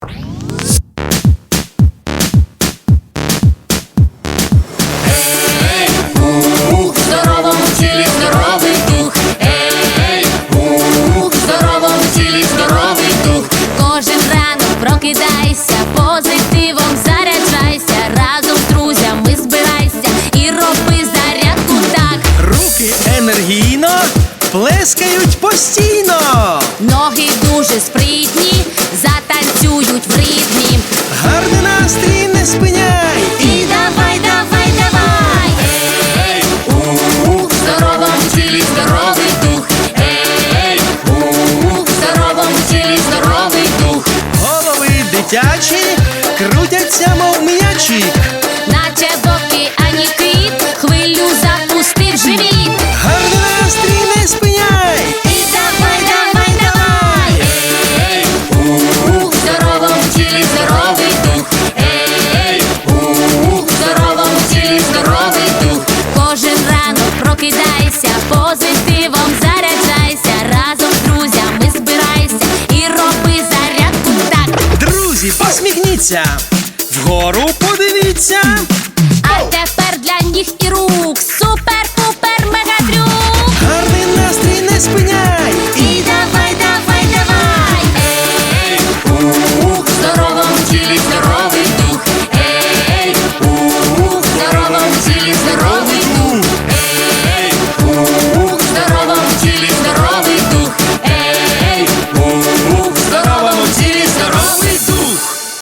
В здоровому тілі здоровий дух. В здоровому тілі здоровий дух. Кожен ранок прокидайся, позитивом заряджайся, разом з друзями збирайся і роби зарядку так. Руки енергійно плескають постійно. Ноги дуже спритні, затанцюють в ритмі. Гарний настрій не спиняй. І давай, давай, давай. В здоровому тілі здоровий дух. В здоровому тілі здоровий дух. Голови дитячі крутяться, мов м'ячі. Наче в океані кит, хвилю запустив живіт. Гарний настрій не спиняй. І давай, давай, давай. В здоровому тілі здоровий дух. В здоровому тілі здоровий дух. Кожен ранок прокидайся, позитивом заряджайся, разом з друзями збирайся і роби зарядку так. Друзі, посміхніться, вгору подивіться.